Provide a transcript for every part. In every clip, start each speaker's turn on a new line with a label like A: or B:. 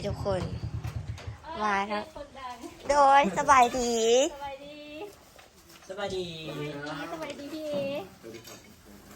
A: ทุกคนมาครับโดยสบายดี
B: สบายดี
C: สบายดี
B: สบายดีพี่เอ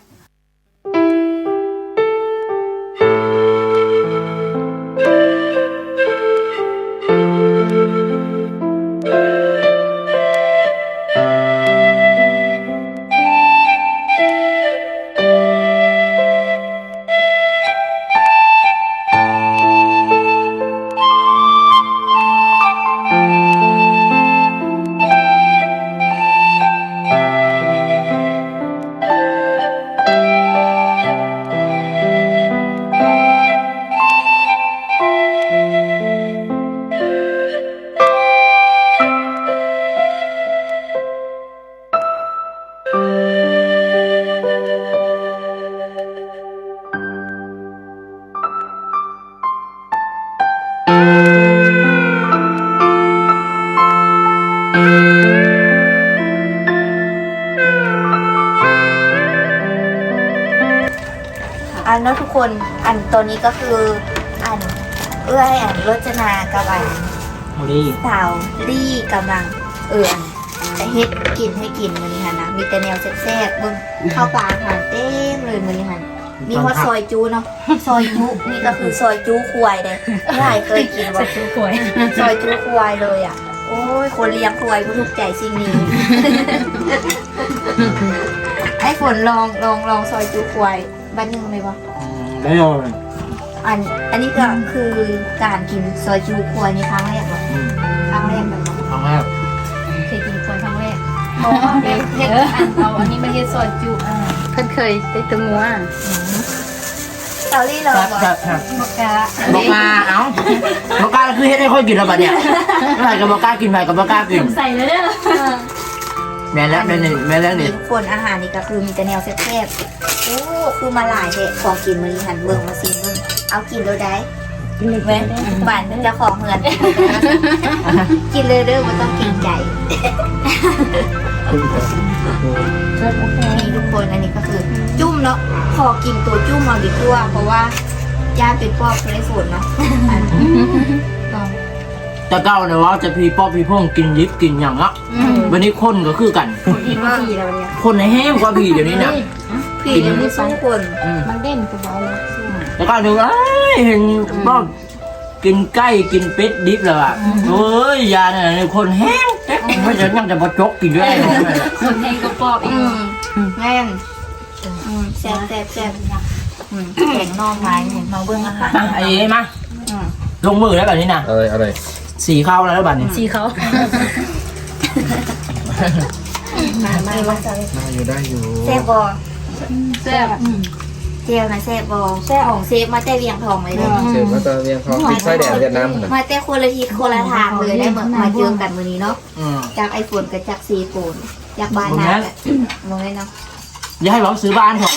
A: อันเนาะทุกคนอันตัวนี้ก็คืออันอันรจนากับอัน
C: โมลี่
A: สาวลี่กำลังจะเฮ็ดกินให้กินมื้อนี้ค่ะนะมีแต่แนวแซ่บๆเบิ่งข้าวปลาอาหารเต็มเลยมื้อนี้ค่ะมีฮอดซอยจูเนาะซอยจุนี่ก็คือซอยจูควายเลยไม่ได้เคยกินว่า
B: จูขวย
A: ซอยจูควายเลยอ่ะโอ้ยคนเลี้ยงควายก็ถูกใจสิ่งนี้ ให้ฝนลองซอยจูควายบ้านหนึงไหมวะ
C: ได้เลย
A: อันนี้ก็คือการกินซอยจูควายในครั้งแรกเหรอครั้งแรกแบบนั้น
C: ครั้งแรก
B: เคยกินขวยครั้งแรก
A: เพราะว่าเฮ็ด
B: อันนี้มาเฮ็ดซอยจุเพิ่นเคยได้ตัวงัว
A: เตาลี่เรา
C: แซ่บ
A: บอก
C: แซ่บแซ่บ
B: มะกะ
C: บอกมาเอ้าบอกกล้าคือเฮ็ดให้ค่อยกินแล้วบัดเนี่ยเมื่อไหร่ก็บอกกล้ากินไปก็บอกกล้ากิน
B: ใส่เลยเด้อ
C: แม่แล้วแม่นี่แม่แล้วนี่
A: ทุกคนอาหารนี่ก็คือมีแต่แนวแซ่บๆโอ้คือมาหลายเด็ของกินมื้อนี้หันเบิ่งมาซิเบิ่งเอากินโดยได้เว้ยบ้านเจ้าของเฮือนกินเลยเด้อบ่ต้องเกรงใจนี่ทุกคนอันนี้ก็คือจุ่มเนาะขอกินตัวจุ่มเอาดีกว่าเพราะว่าย่าเป็นปอบได้ฝนเนาะอันลอง
C: แต่เก้าเนี่ยว่าจะพี่ป๊อปพี่พ่งกินยิบกินอย่างละวันนี้คนก็คือกัน
B: คนอีกมาทีแล้วเนี่ย
C: คนในแห้งกว่าพี่เดี๋ยวนี้เนี่ย
A: พี่เดี๋ยวนี้สองคน
B: มันเด่นกูบอกแล้ว
C: แล้วก็ดูเห็นป๊อปกินไก่กินเป็ดดิบเลยอ่ะเฮ้ยยาเนี่ยคนแห้งเจ๊กไม่จะยังจะมาจกกินด้วย
B: คนเองก็ปอบอีก
A: แม่นแซ่บแข็งนอกไม้มาเบื้องอาหาร
C: มาไอ้มาลงมือแล้วแบบนี้นะ
D: อะไร
C: สีเข้าแล้วแบบนี้
B: สีเขา
A: มาจะ
D: ได้อยู่ได้อยู่
A: แซ่บบอ
B: แซ่บ
A: เจลนะแซ่บบอแซ่ของเซฟมาแต่เวียงทองเลยเด้อ
D: เชิญมาตะเวียงทองปิดไส้แดดเวียดนามนะ
A: มาแต่คนละทิศคนละทางเลยได้มาเจอกันวันนี้เนาะ
C: อืม
A: จากไอโฟนกับจากซีโฟนจากบ้านนาลงเลยเนาะ
C: อย่าให้เราซื้อบ้านของ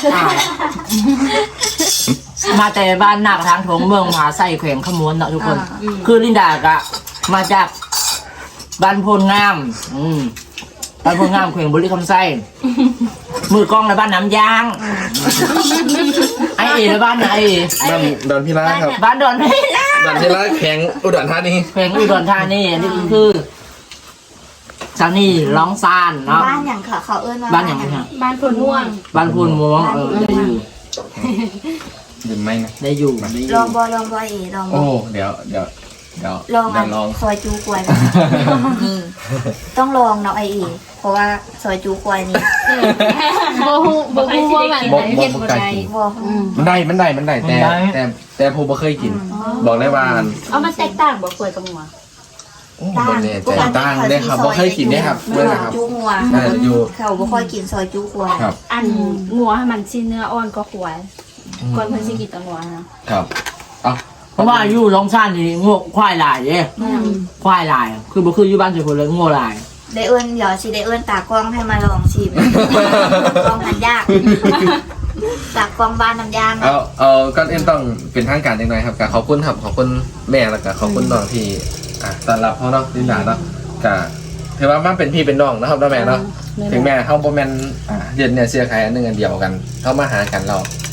C: มาแต่บ้านหนักทางถงเมืองมหาไส้แขวงขมวนเนาะทุกคน คือลินดากะมาจากบ้านโพนงามบ้านโพนงามแขวงบุรีคำไส้มือกล้องในบ้านน้ำยางไอเอ๋ในบ้านไหน
D: บ้านดอนพิราครับ
C: บ้านดอนเพชร
D: ดอนพิราแข็งอุดรธานี
C: แขวงอุดรธานีนี่คือชาวนี่ร้องซานเนาะ
A: บ้านอย่างเขาเอิ้นว่า
C: บ้านอย่างไรครับ
B: บ้านคนม่วง
C: บ้านพูนม่วงได้อยู่
D: หรือไม่นะ
C: ได้อยู่
A: ลองบอเอลองบ
D: โอ้
A: อ
D: เดี๋ยว
A: ลองอัน
D: ลอง
A: ซอยจูควายนี่ต้องลองเนาะไอเอเพราะว่าซอยจูควายนี่
B: บ่ฮู้ว่ามันเฮ็ดบ่ได้
A: บอก
D: มันได้แต่ผมบ่เคยกิน บอกได้ว่า
B: เอามันแตกต่างบ่ขวยกับงัว
D: โอ้บ่แน่ใจต่างได้ครับบ่เคยกินได้ครับ
A: ซ
D: ด้วย
A: อย
D: นะครับ
A: จูงัว
D: น่าจะอยู่
A: เขาบ่ค่อยกินซอยจูควาย
D: ครับ
B: อันงัวมันสิเนื้ออ่อนก็ขวยก่อนเพิ่นสิกินแตงัวนะครับ
D: เอา
C: เพราะว่าอยู่ร้องซานนี่งวควายลายเด้ควายลายคือบ่คืออยู่บ้านเฉยคนเลยงัวลาย
A: ได้เอิ้นเดี๋ยวสิได้เอิ้นตากล้องให้มาลองชิมกล้องหันยากตากล้องบ้านน้ำยาง
D: เอาก่อนอื่นต้องเป็นทางการจังหน่อยครับก็ขอบคุณครับขอบคุณแม่แล้วก็ขอบคุณน้องที่ต้อนรับเฮาเนาะลินดาเนาะก็ถือว่ามันเป็นพี่เป็นน้องนะครับเนาะแม่เนาะ ถึงแม่เขาบ่แม่นเรียนเนี่ยเสียใครอันหนึงอันเดียวกันเขามาหากันเรา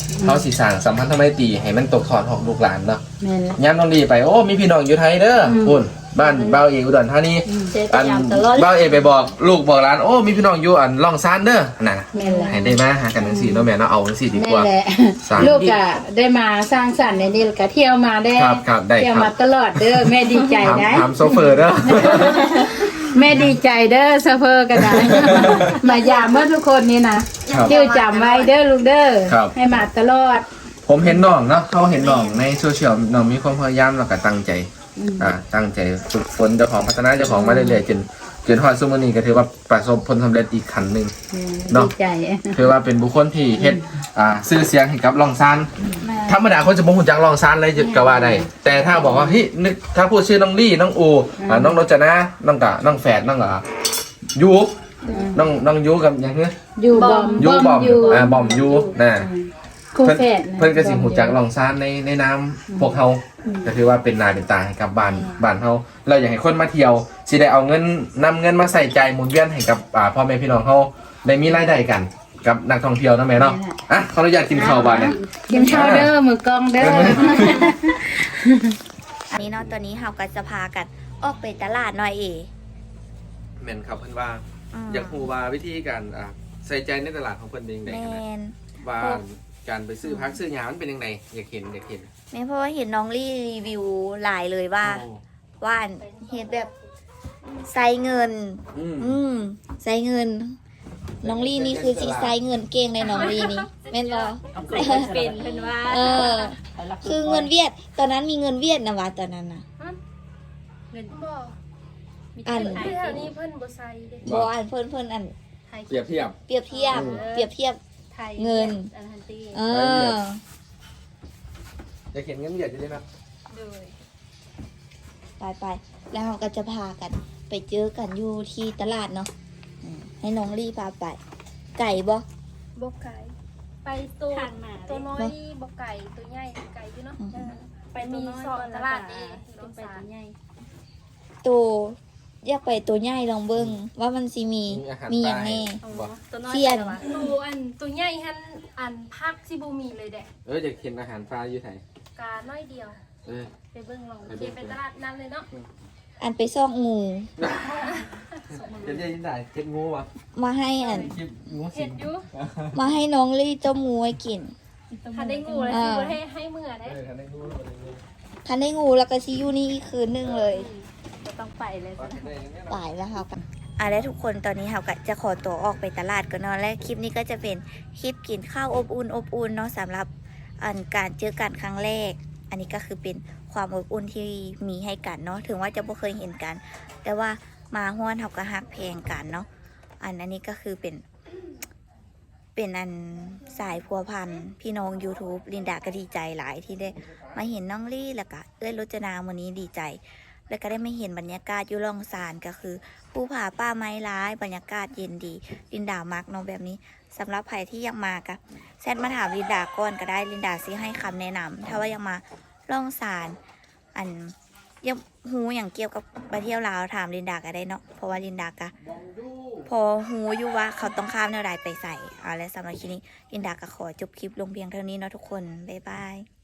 D: เขาสิสร้างสัมพันธไมตรีให้มันตกทอดของลูกหลานเนาะ
B: แม่นละ
D: ย้ำน้องดีไปโอ้มีพี่น้องอยู่ไทยเด้อคุณบ้านบ้าวเอกอุดรธานี
B: เจอกันยามตลอด
D: บ้าวเอกไปบอกลูกบอกหลานโอ้มีพี่น้องอยู่อันล่องซานเด้อน่ะ
B: แม่นละ
D: ให้ได้มาหากันจังซี่เนาะแม่เนาะเอาจังซี่ดีก
B: แม่
D: ว่า
B: แหละ
D: สร้าง
B: ลูกก็ได้มาสร้างสรรค์ในนี้แล้วก็เที่ยวมาได้
D: ครับได้
B: เที่ยว
D: ครั
B: มา
D: บ
B: ตลอดเด้อแม่ดีใจนะ
D: ถามโซเฟอร์เด้อ
B: แม่ดีใจเด้อเซฟเฟอร์ก็ได้ มายามเมื่อทุกคนนี่นะครับ ชื่อจำไว้เด้อลูกเด้อ
D: ครับ
B: ให้มาตลอด
D: ผมเห็นน้องเนาะเขาเห็นน้องในโซเชียลน้องมีความพยายามแล้วก็ตั้งใจตั้งใจฝึกฝนเจ้าของพัฒนาเจ้าของมาเรื่อยๆจนฮอดซุมื้อนี้ก็ถือว่าประสบผลสำเร็จอีกขั้นหนึง เนาะ
B: ดีใจ
D: ถือว่าเป็นบุคคลที่เฮ็ดชื่อเสียงให้กับลองซานธรรมดาคนจะบ่ฮู้จักลองซานเลยก็ว่าได้แต่ถ้าบอกว่าเฮ้ยนึกถ้าพูดชื่อน้องลี่น้องอูน้องรจนาน้องกะน้องแฝดน้องยูน้องยูกับหยังเงี้ย
B: อยู่บอม
D: ยูบอม
B: อยู่
D: บอมยูนะ
B: คู่
D: เพิ่น
B: แฝดนะ
D: เพิ่นก็สิฮู้จักลองซานในน้ำพวกเฮาก็ถือว่าเป็นหน้าเป็นตาให้กับบ้านเฮาเราอยากให้คนมาเที่ยวสิได้เอาเงินนำเงินมาใส่ใจหมุนเวียนให้กับพ่อแม่พี่น้องเฮาได้มีรายได้กันกับนักท่องเที่ยวนะแม่เนาะอ่ะขออนุญาตกินข้าวบ้านเนี่ย
B: กินข้าวเด้อมือกล้องเด้อ
A: อันนี้เนาะตอนนี้เราก็จะพากันออกไปตลาดหน่อยเอ
D: แม่นครับเพิ่นว่า
A: ม
D: อยากฮู้ว่าวิธีการใส่ใจในตลาดของเพิ่นเป็นจังได
A: แม
D: กันนะ
A: น
D: ว่าการไปซื้อพักซื้อหยามันเป็นยังไงอยากเห็น
A: แม่เพราะว่าเห็นน้องลี่รีวิวหลายเลยว่า
D: โอ้
A: ว่าอันเห็นแบบใส่เงิน ใส่เงิน น้องลี่นี่คือสีใส่เงินเก่งเลยน้องลี่นี่แม่นบ่
B: เป็นเป็นว่า
A: เออ คือเงินเวียด ตอนนั้นมีเงินเวียดนะวะตอนนั้นนะ
B: เงิน
E: บ่
A: อัน
E: ที่แถวนี้เพิ่นบ่ใส่เด้
A: บ่อันเพิ่นอัน
E: ไทย
D: เปรียบเทียบ
A: เปรียบเทียบ เปรียบเทียบ
E: ไทย
A: เงิน
E: อันทันตี
A: เออ
D: อยากเห็นเงินเหยียดอยู่ด้วยนะ
E: โดย
A: ไปแล้วเราก็จะพากัน ไปเจอกันอยู่ที่ตลาดเนาะให้น้องลี่พาไป ไก่บ่
E: บ่ไก่ไปตัว
B: ทางมา
E: ตัวน้อยนี่บ่ไก่ตัวใหญ่ไก่อยู่เนาะ
A: อืม
E: ไปมีสองตลาดนี่
B: ต้
E: ต้
B: อ
E: อง ง
B: ไป
E: สา
B: ตัวใหญ่
A: ตัวอยากไปตัวใหญ่ลองเบิ่งว่ามันสิมีมีอย่างแน่
E: อ๋อตัวน้อย
A: เทียน
E: ตัวอันตัวใหญ่หันอันพักสิบ่มีเลยแดะ
D: อยากเห็นอาหารปลาอยู่ไทย
E: กาน้อยเดียว ไปเบิ่งลอง
D: ไปเบิ่ง
E: ไปตลาดนั้นเลยเนาะ
A: อันไปซอกงู
D: เห็นยังไงเห็นงูวะ
A: มาให้อัน
D: คลิปงูสิ
E: เห็ดอยู่
A: มาให้น้องลี่ต้มงูให้กิน
E: ถ้าได้งูแล้วสิบ่ให้มื้อได้
D: ทันได้งู
A: ทันได้งูแล้วก็ชิอยูนี่อีกคืนนึงเลย
B: ก็ต้องไปเลยสิ
A: ตายแล้วค่ะแล้วทุกคนตอนนี้เราก็จะขอตัวออกไปตลาดกันเนาะและคลิปนี้ก็จะเป็นคลิปกินข้าวอบอุ่นเนาะสำหรับการเจอกันครั้งแรก อันนี้ก็คือเป็นความอบอุ่นที่มีให้กันเนาะถึงว่าจะไม่เคยเห็นกัน แต่ว่ามาห้วนเขาก็ฮักเพลงกันเนาะอันนี้ก็คือเป็นอันสายพัวพันพี่น้อง YouTube ลินดาก็ดีใจหลายที่ได้มาเห็นน้องลี่แล้วก็เอ้ยรจนาวันนี้ดีใจ แล้วก็ได้ไม่เห็นบรรยากาศอยู่ล่องซานก็คือภูผาป่าไม้ร้ายบรรยากาศเย็นดีลินดามักเนาะแบบนี้สำหรับใครที่ยังมากะแชทมาถามลินดาก่อนก็ได้ลินดาซิให้คำแนะนำถ้าว่ายังมาล่องซานอันยังหูอย่างเกี่ยวกับไปเที่ยวลาวถามลินดาก็ได้เนาะเพราะว่าลินดากะพอหูอยู่ว่าเขาต้องข้ามแนวใดไปใส่เอาและสำหรับคลิปนี้ลินดาก็ขอจบคลิปลงเพียงเท่านี้เนาะทุกคนบ๊ายบาย